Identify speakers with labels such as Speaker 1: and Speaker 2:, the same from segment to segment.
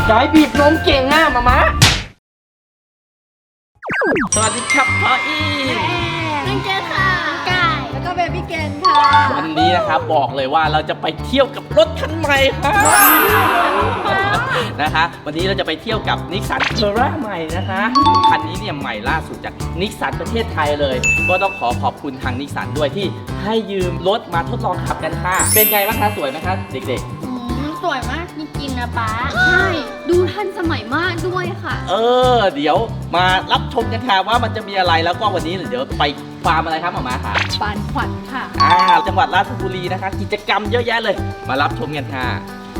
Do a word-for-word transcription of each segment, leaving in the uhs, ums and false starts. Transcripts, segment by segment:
Speaker 1: ยายบีบนมเก่งอ่ะมามะสวัสดีครับพ่ออี
Speaker 2: น้องเจนค่ะกายแล้วก็เบบี้เกนค่ะ
Speaker 1: วันนี้นะครับบอกเลยว่าเราจะไปเที่ยวกับรถคันใหม่ครับนะคะวันนี้เราจะไปเที่ยวกับนิสสันเทอร่าใหม่นะคะคันนี้เนี่ยใหม่ล่าสุดจากนิสสันประเทศไทยเลยก็ต้องขอขอบคุณทางนิสสันด้วยที่ให้ยืมรถมาทดลองขับกันค่ะเป็นไงบ้างคะสวยไหมคะเด็กๆ
Speaker 2: สวยมากจริงๆนะป๊าใช่ดูทันสมัยมากด้วยค่ะ
Speaker 1: เออเดี๋ยวมารับชมกันค่ะว่ามันจะมีอะไรแล้วก็วันนี้เดี๋ยวไปฟาร์มอะไรครับหมอมาค่ะ
Speaker 2: ฟาร์มขวัญค่ะ
Speaker 1: อ่าจังหวัดราชบุรีนะคะกิจกรรมเยอะแยะเลยมารับชมกันค่ะ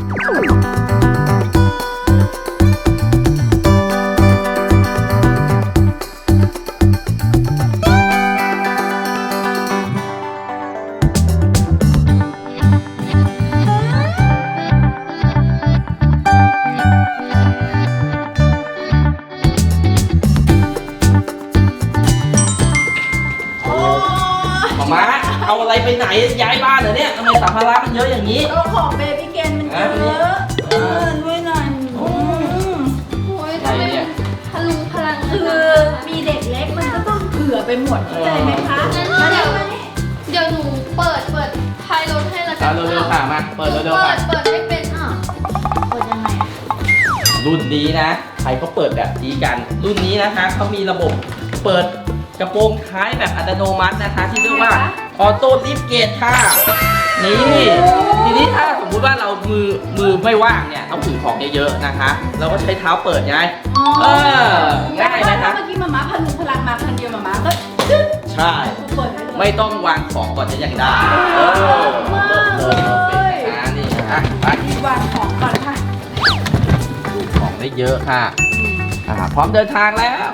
Speaker 1: มาเอาอะไรไปไหนย้ายบ้านเหรอเนี่ยทำไมสัมภาระมันเยอะอย่างนี้
Speaker 2: เอาของเบบี้เกนมันเยอะเออด้วยหน่อยโอ้ยทำไมพลุงพลังคือมีเด็กเล็กมันก็ต้องเผื่อไปหมดเข้าใจไหมคะงั้นเดี๋ยวเดี๋ยวหนูเปิดเปิดท้ายรถให้ละกัน
Speaker 1: เร็วๆค่ะมาเปิดเร็วๆค่ะ
Speaker 2: เปิดไม่เป็นอ่ะเปิดยังไง
Speaker 1: รุ่นนี้นะใครเขาเปิดแบบนี้กันรุ่นนี้นะคะเขามีระบบเปิดกระโปรงท้ายแบบอัตโนมัตินะคะที่เรียกว่าออโต้ลิฟต์เกตค่ะนี่ทีนี้ถ้าสมมุติว่าเรามือมือไม่ว่างเนี่ยต้องถือของเยอะๆนะคะเราก็ใช้เท้าเปิดไงเออง่ายนะคะ
Speaker 2: เมื่อกี้มาม่าพลุงพลังมาคันเดียวมาม่าก็
Speaker 1: ใช่ไม่ต้องวางของก่อนจะยังได้เออเลิศเลยนะนี่นะไป
Speaker 2: วางของก่อนค่ะ
Speaker 1: ของได้เยอะค่ะอ่าพร้อมเดินทางแล้ว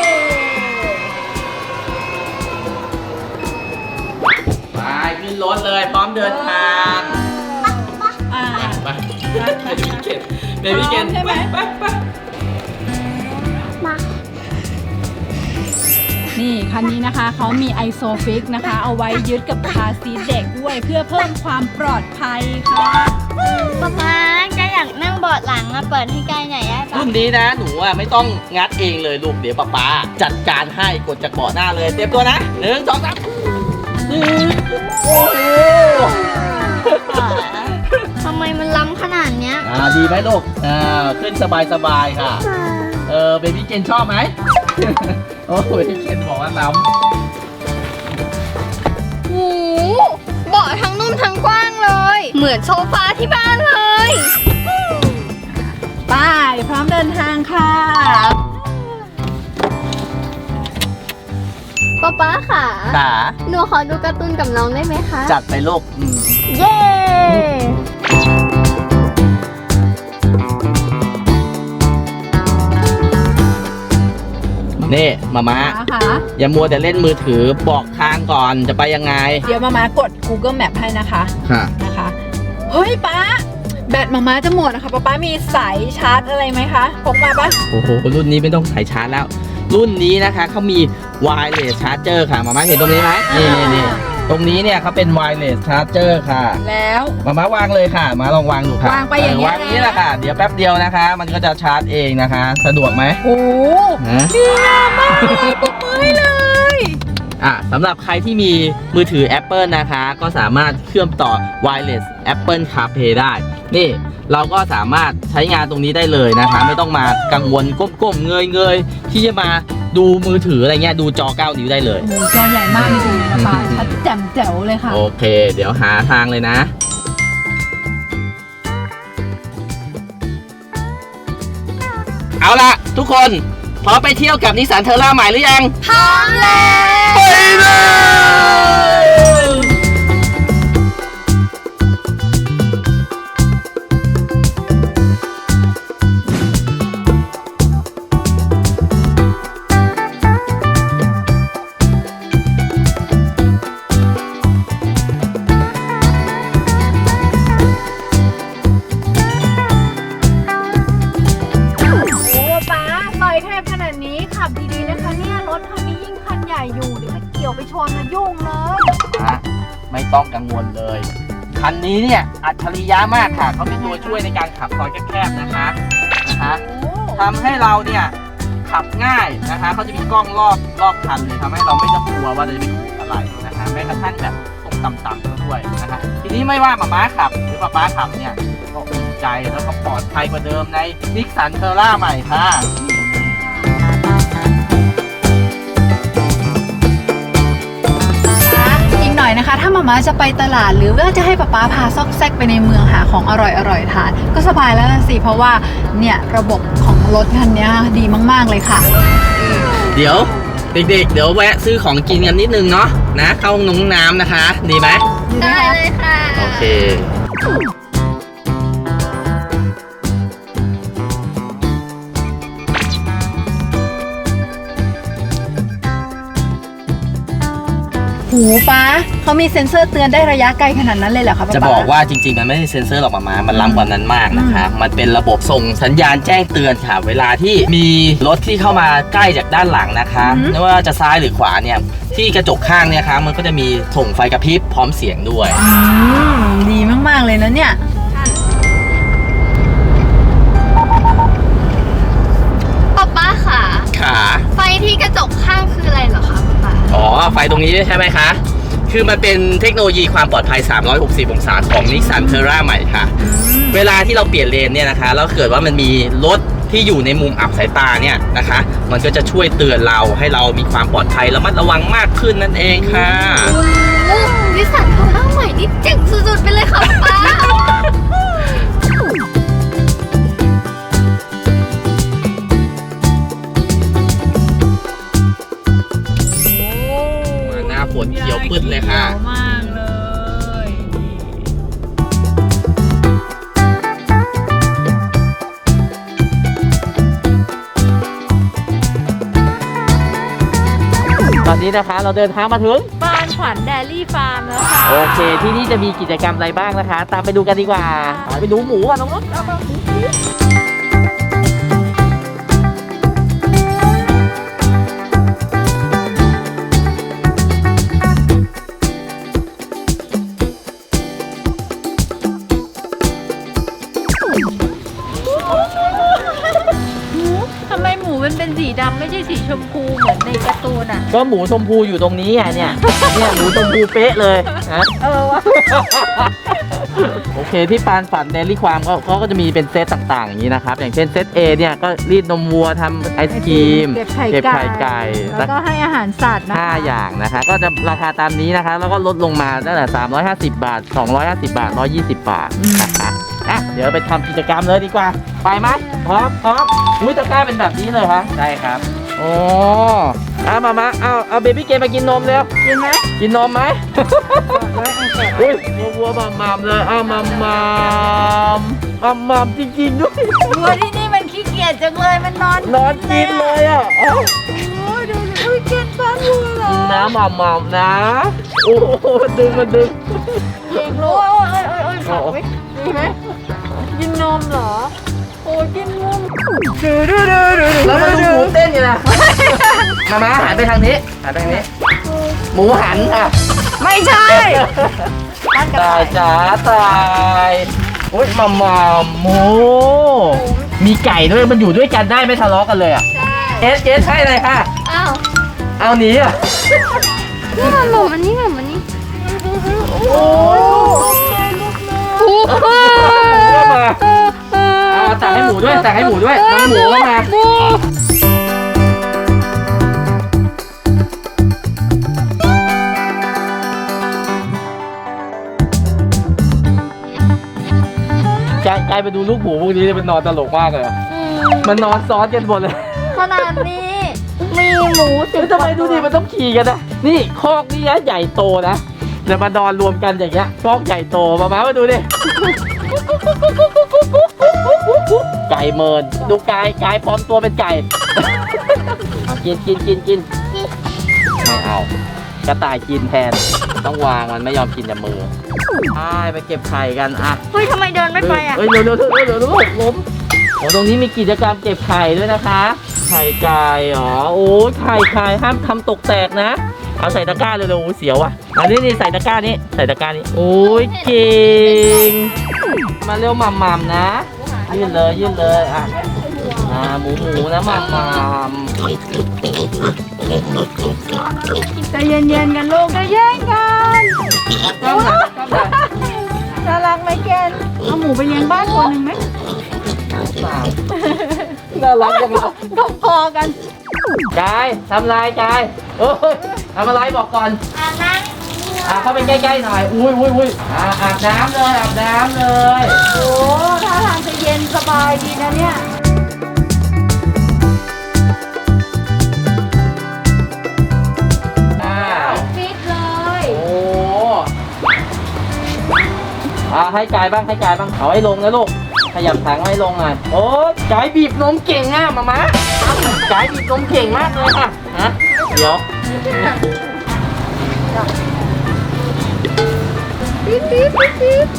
Speaker 1: ไปขึ้นรถเลยพร้อมเดินทางไปเบบี้เกนเบบี้เกนไปไปไป
Speaker 2: มานี่คันนี้นะคะเขามีไอโซฟิกนะคะเอาไว้ยึดกับคาร์ซีทเด็กด้วยเพื่อเพิ่มความปลอดภัยค่ะป๊าป๊าก็อยากนั่งเบาะหลังอะเปิดให้กายหน่อยได้ปะ
Speaker 1: รุ่นนี้นะหนูอะไม่ต้องงัดเองเลยลูกเดี๋ยวป๊าป๊าจัดการให้กดจากเบาะหน้าเลยเตรียมตัวนะหนึ่งสองสามโอ้โห
Speaker 2: ทำไมมันล้ำขนาดเนี้ย
Speaker 1: อ่าดีไหมลูกอ่าขึ้นสบายสบายค่ะเออเบบี้เกนชอบไหมโอ้เบบี้เกนบอกว่าล้
Speaker 2: ำโอ้เบาะทั้งนุ่มทั้งกว้างเลยเหมือนโซฟาที่บ้านเลยไปพร้อมเดินทางค่ะป๊าป๊าค่ะ
Speaker 1: ค่ะ
Speaker 2: หนูขอดูการ์ตูนกับน้องได้ไหมคะ
Speaker 1: จัดไปลูก
Speaker 2: เย้
Speaker 1: นี่มาม่าอย่ามัวแต่เล่นมือถือบอกทางก่อนจะไปยังไง
Speaker 2: เดี๋ยวมาม่ากด Google Map ให้นะคะ
Speaker 1: ค่ะ
Speaker 2: นะคะเฮ้ยป๊าแบตมาม่าจะหมดนะคะป๊าป๊ามีสายชาร์จอะไรไหมคะพกมาปะ
Speaker 1: โอ้โหรุ่นนี้ไม่ต้องสายชาร์จแล้วรุ่นนี้นะคะเขามี wireless charger ค่ะมาม่าเห็นตรงนี้ไหมนี่นี่ตรงนี้เนี่ยเขาเป็น wireless charger ค่ะ
Speaker 2: แล้ว
Speaker 1: มาม่าวางเลยค่ะมาลองวางดูค่ะ
Speaker 2: วางไปอย่างนี้
Speaker 1: วางนี้แหละค่ะเดี๋ยวแป๊บเดียวนะคะมันก็จะชาร์จเองนะคะสะดวกไหม
Speaker 2: โอ้ดีมากปรบมือเลย
Speaker 1: อ่ะสำหรับใครที่มีมือถือ Apple นะคะก็สามารถเชื่อมต่อ wireless Apple CarPlay ได้นี่เราก็สามารถใช้งานตรงนี้ได้เลยนะคะไม่ต้องมากังวลก้มๆเงยๆที่จะมาดูมือถืออะไรเงี้ยดูจอเก้านิ้วได้เลย
Speaker 2: โอ้จอใหญ่มากจริงๆนะป้าชัดแจ่มแจ๋วเลยค่ะ
Speaker 1: โอเคเดี๋ยวหาทางเลยนะเอาล่ะทุกคนพร้อมไปเที่ยวกับนิสสันเทอร่าใหม่หรือยัง
Speaker 2: พร้อมแล้ว
Speaker 1: ไปเลย
Speaker 2: ไปชนนะยุ่งเลย
Speaker 1: ฮะไม่ต้องกังวลเลยคันนี้เนี่ยอัจฉริยะมากค่ะเขาเป็นตัวช่วยในการขับซอยแคบๆนะคะนะคะทำให้เราเนี่ยขับง่ายนะคะเขาจะมีกล้องรอบรอบคันเลยทำให้เราไม่ต้องกลัวว่าจะไปถูกอะไรนะคะแม้กระทั่งแบบตรงต่ำๆด้วยนะคะทีนี้ไม่ว่าหมาม้าขับหรือป๊าป๊าขับเนี่ยก็อุ่นใจแล้วก็ปลอดภัยกว่าเดิมในนิสสันเทอร่าใหม่ค่ะ
Speaker 2: อีกหน่อยนะคะ ถ้ามาม่าจะไปตลาดหรือว่าจะให้ป๊าป๊าพาซอกแซกไปในเมืองหาของอร่อยๆทานก็สบายแล้วสิเพราะว่าเนี่ยระบบของรถคันนี้ดีมากๆเลยค่ะ
Speaker 1: เดี๋ยวเด็กๆเดี๋ยวแวะซื้อของกินกันนิดนึงเนาะนะเข้าห้องน้ำนะคะดีไหม
Speaker 2: ได้เลยค่ะ
Speaker 1: โอเค
Speaker 2: หูป้าเขามีเซ็นเซอร์เตือนได้ระยะไกลขนาดนั้นเลยเหรอคะป๊า
Speaker 1: จะบอกว่าจริงๆมันไม่ใช่เซ็นเซอร์หรอกมามามันล้ำกว่านั้นมากนะคะมันเป็นระบบส่งสัญญาณแจ้งเตือนค่ะเวลาที่มีรถที่เข้ามาใกล้จากด้านหลังนะคะไม่ว่าจะซ้ายหรือขวาเนี่ยที่กระจกข้างเนี่ยคะมันก็จะมีส่งไฟกระพริบพร้อมเสียงด้วย
Speaker 2: อืมดีมากๆเลยนะเนี่ย
Speaker 3: ป๊าป๊าค่ะ
Speaker 1: ขา
Speaker 3: ไฟที่กระจกข้างคืออะไรเหรอคะป๊าป๊า
Speaker 1: อ๋อไฟตรงนี้ใช่ไหมคะคือมันเป็นเทคโนโลยีความปลอดภัยสามร้อยหกสิบองศาของ Nissan Terra ใหม่ค่ะเวลาที่เราเปลี่ยนเลนเนี่ยนะคะแล้วเกิดว่ามันมีรถที่อยู่ในมุมอับสายตาเนี่ยนะคะมันก็จะช่วยเตือนเราให้เรามีความปลอดภัยระมัดระวังมากขึ้นนั่นเองค่ะ
Speaker 3: โอ้นิสสันเทอร่าใหม่นี่เจ๋งสุดๆไปเลยค่ะป๊าป๊า
Speaker 1: มาหน้าฝนเขียวปึ๊ดเลยค่ะ
Speaker 2: มากเลย
Speaker 1: ตอนนี้นะคะเราเดินทางมาถึง
Speaker 2: บ้านขวัญแดลี่ฟาร์มแล้วค่ะ
Speaker 1: โอเคที่นี่จะมีกิจกรรมอะไรบ้างนะคะ ตามไปดูกันดีกว่าไปดูหมูกันน้องรถเอามา
Speaker 2: ทำไมหมูมันเป็นสีดำไม่ใช่สีชมพูเหมือนในการ์ตูนอ่ะ
Speaker 1: ก็หมูชมพูอยู่ตรงนี้ไงเนี่ยเนี่ยหมูชมพูเป๊ะเลยนะ
Speaker 2: เออวะ
Speaker 1: โอเคที่ปานฝันเดลี่ความเขาเขาก็จะมีเป็นเซตต่างๆอย่างนี้นะครับอย่างเช่นเซต A เนี่ยก็รีดนมวัวทำไอศกรีม
Speaker 2: เก็บไข่
Speaker 1: เก็บไข่ไก่
Speaker 2: แล้วก็ให้อาหารสัตว์นะคะ
Speaker 1: ห้าอย่างนะคะก็จะราคาตามนี้นะคะแล้วก็ลดลงมาตั้งแต่สามร้อยห้าสิบบาทสองร้อยห้าสิบบาทหนึ่งร้อยยี่สิบบาทนะคะอ่ะเดี๋ยวไปทำกิจกรรมเลยดีกว่าไปไหมพร้อมพร้อมอุ้ยตะกร้าเป็นแบบนี้เลยคะใช่ครับโอ้เอามามาเอาเอาเบบี้เกมมากินนมเร็ว
Speaker 2: กินไหม
Speaker 1: กินนมไหม อุ้ยวัววัวมัมมัมเลยอ้าวมัมมัมมัมมัมจริงๆด้วย
Speaker 2: วัวที่นี่มันขี้เกียจจังเลยมันนอน
Speaker 1: นอนกินเลยอ่ะเอ้า
Speaker 2: โอ้ยดูสิอุ้ยเกนบ้านวัวเหรอ
Speaker 1: นะมัมมัมนะโอ้โหมันดึงมันดึง
Speaker 2: เก่งรู้โอ้ยโอ้ยโอ้ยโอ้ยขาไว้ดีไหมกินนมเหรอโอ้ยกินนม
Speaker 1: แล้วมาดูหมูเต้นอยู่นะมามาหันไปทางนี้หันไปทางนี้ หมูหันค่ะ
Speaker 2: ไม่ใช่บ้านกระ
Speaker 1: ตา
Speaker 2: ต่าย ย
Speaker 1: จ๋าตายอุ้ยมัมมัมหมูมีไก่ด้วยมันอยู่ด้วยกันได้ไม่ทะเลาะกันเลยอ่ะ
Speaker 3: ใช่
Speaker 1: เอสเอสใช่เลยค่ะ
Speaker 3: อ้าว
Speaker 1: เอาหนีอ่ะ
Speaker 3: นี่มันหมูมันนี่มันมันนี่
Speaker 1: โอ้
Speaker 3: โอ้โห
Speaker 1: ก็มาเอาตักให้หมูด้วยตักให้หมูด้วยน้องหมูก็มา
Speaker 3: หมู
Speaker 1: กายกายไปดูลูกหมูพวกนี้มันนอนตลกมากเลยอะมันนอนซ้อนกันหมดเลย
Speaker 3: ขนาดนี้มีหมูสิบ
Speaker 1: เฮ้ยทำไมดูดิมันต้องขี่กันนะนี่คอกนี่นะใหญ่โตนะเดี๋ยวมานอนรวมกันอย่างเงี้ยคอกใหญ่โตมามามาดูดิไก่เมินดูกายกายพร้อมตัวเป็นไก่เอากินกินกินกินไม่เอากระต่ายกินแทนต้องวางมันไม่ยอมกินจากมือไปไปเก็บไข่กันอ่ะ
Speaker 3: เฮ้ยทำไมเดินไม่ไปอ่ะ
Speaker 1: เฮ้ยเร็วเร็วเร็วเร็วเร็วเร็วล้มโอ้ตรงนี้มีกิจกรรมเก็บไข่ด้วยนะคะ ไข่ไก่เหรอโอ้ยไข่ไข่ห้ามทำตกแตกนะเอาใส่ตะกร้าเร็วๆโอ้ยเสียวอ่ะอันนี้นี่ใส่ตะกร้านี้ใส่ตะกร้านี้โอ้ยเก่งมาเร็วหม่ำๆนะยื่นเลยยื่นเลยอ่ะอ่าหมูหมูนะหมามมาม
Speaker 2: ใจเย็นๆกันลูกใจเย็นกัน
Speaker 1: ก้มหน่อยก้มหน่อย
Speaker 2: น่ารักไหมเกนเอาหมูไปเลี้ยงบ้านตัวหนึ่งไหม
Speaker 1: น่ารักจังเลย
Speaker 2: ก็พอกัน
Speaker 1: กายทำไรกายเอ้ยทำอะไรบอกก่อน
Speaker 3: อาบน้
Speaker 1: อ่ะเข้าไปใกล้ๆหน่อยอุ้ยอุ้ยอุ้ยอ่าอาบน้ำเลยอาบน้ำเลย
Speaker 2: โอ้ท่าทางจะเย็นสบายดีนะเนี่ย
Speaker 1: อ่า
Speaker 2: ฟิตเลย
Speaker 1: โอ้อ่าให้กายบ้างให้กายบ้างเอาให้ลงนะลูกขยับถังให้ลงหน่อยโอ้กายบีบนมเก่งอ่ะมามะกายบีบนมเก่งมากเลยค่ะฮะเดี๋ยว
Speaker 2: ปิ๊บปิ๊บปิ๊บปิ๊บ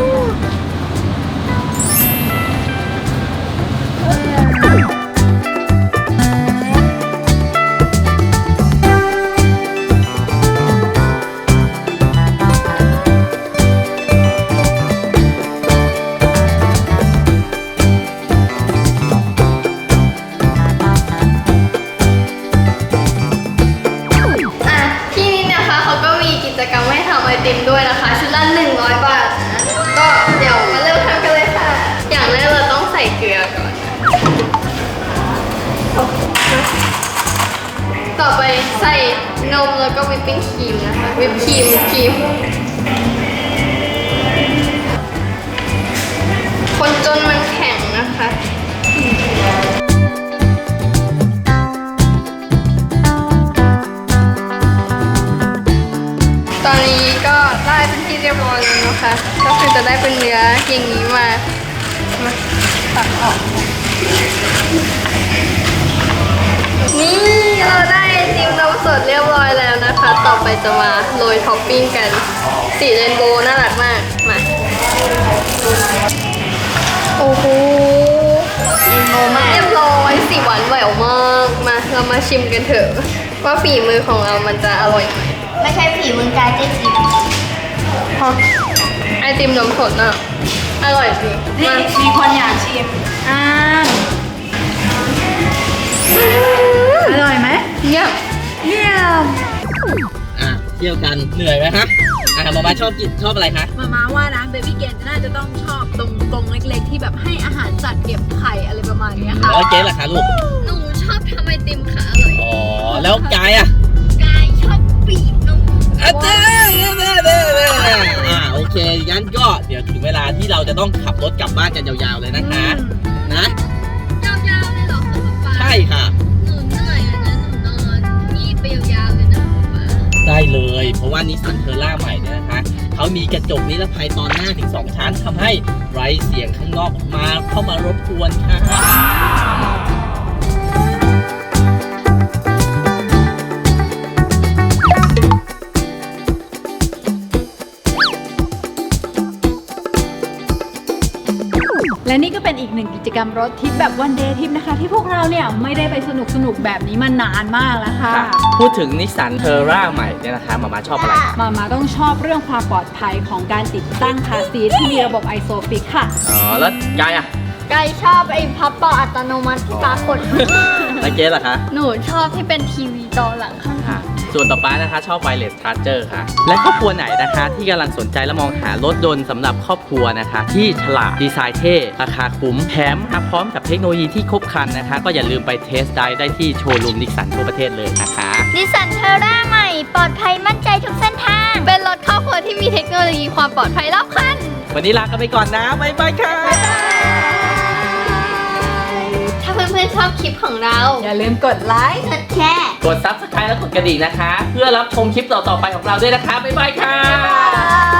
Speaker 3: ำอ่ะที่นี่นะคะเขาก็มีกิจกรรมให้ทำไอติมด้วยนะคะ ชุดละหนึ่งร้อยบาทนะก็เดี๋ยวมาเริ่มทำกันเลยค่ะ อย่างแรกเราต้องใส่เกลือก่อน ต่อไปใส่นมแล้วก็วิปปิ้งครีมนะคะวิปครีมวิปครีม คนจนมันแข็งนะคะ ตอนนี้ก็ได้เป็นที่เรียบร้อยแล้วนะคะ ก็คือจะได้เป็นเนื้ออย่างนี้มา มาตัดออก นี่เราได้ไอติมนมสดเรียบร้อยแล้วนะคะ ต่อไปจะมาโรยท็อปปิ้งกัน สีเรนโบว์น่ารักมาก มา โอ้โหเรียบร้อยสีหวานแหววมาก มาเรามาชิมกันเถอะ ว่าฝีมือของเรามันจะอร่อยไหม
Speaker 2: ไม่ใช่ผีมึงกายเจ๊จิ๋ว
Speaker 3: ไอติมนมสดน่ะ อร่อยจริง
Speaker 2: นี่
Speaker 3: มา
Speaker 2: มีคนอยากชิมอ่าอร่อยไหม
Speaker 3: เยี่ยม
Speaker 2: เยี่ยม
Speaker 1: อ่ะเที่ยวกันเหนื่อยไหมฮะอ่ะมามาชอบกินชอบอะไรคะ
Speaker 2: มาม่าว่านะเบบี้เกนน่าจะต้องชอบตรงกรงเล็กๆ ที่แบบให้อาหารสัตว์เก็บไข่อะไรประมาณเนี้ยค่ะ
Speaker 1: แล้วเจ๊ล่ะคะลูก
Speaker 3: หนูชอบทำไอติมค่ะอร่อย
Speaker 1: อ๋อแล้วกายอ่ะ
Speaker 3: กายชอบบีบนม
Speaker 1: อาจารย์อ่าโอเคงั้นก็เดี๋ยวถึงเวลาที่เราจะต้องขับรถกลับบ้านกันยาวๆเลยนะคะนะ
Speaker 3: ยาวๆเลยเหรอคะป๊าป๊า
Speaker 1: ใช่ค่ะ
Speaker 3: หนูเหนื่อยอะนะหนูนอนงีบไปยาวๆเลยนะป๊าป๊า
Speaker 1: ได้เลย เพราะว่านิสสันเทอร่าใหม่เนี่ยนะคะเขามีกระจกนิรภัยตอนหน้าถึงสองชั้นทำให้ไรเสียงข้างนอกมาเข้ามารบกวนค่ะ
Speaker 2: และนี่ก็เป็นอีกหนึ่งกิจกรรมรถทริปแบบวันเดย์ทริปนะคะ ที่พวกเราเนี่ยไม่ได้ไปสนุกสนุกๆแบบนี้มานานมากแล้วค่ะ
Speaker 1: พูดถึงนิสสันเทอร่าใหม่เนี่ยนะคะมามาชอบอะไร
Speaker 2: มามาต้องชอบเรื่องความปลอดภัยของการติดตั้งคาร์ซีทที่มีระบบไอโซฟิกค่ะ
Speaker 1: อ๋อแล้วกายอ่ะ
Speaker 3: กายชอบไอ้พับเป่าอัตโนมัติที่ป๊ากด
Speaker 1: แล้วเจ๊ล่ะคะ
Speaker 3: หนูชอบที่เป็นทีวีจอหลังข้าง
Speaker 1: ค่ะส่วนต่อไปนะคะชอบ wireless charger ค่ะ และครอบครัวไหนนะคะที่กำลังสนใจและมองหารถยนต์สำหรับครอบครัวนะคะ ที่ฉลาดดีไซน์เท่ราคาคุ้มแถมมาพร้อมกับเทคโนโลยีที่ครบครันนะคะ ก็อย่าลืมไปเทสได้ได้ที่โชว์รูมนิสสันทั่วประเทศเลยนะคะ
Speaker 3: นิสสันเทอร่าใหม่ปลอดภัยมั่นใจทุกเส้นทาง เป็นรถครอบครัวที่มีเทคโนโลยีความปลอดภัยรอบคัน
Speaker 1: วันนี้ลากันไปก่อนนะบ๊ายบายค่ะ
Speaker 3: ถ้าเพื่อนๆชอบคลิปของเรา
Speaker 2: อย่าลืมกดไลค์
Speaker 3: กดแชร์
Speaker 1: กด ซับสไครบ์ และกดกระดิ่งนะคะ เพื่อรับชมคลิปต่อๆไปของเราด้วยนะคะบ๊ายบายค่ะ
Speaker 2: บ๊ายบาย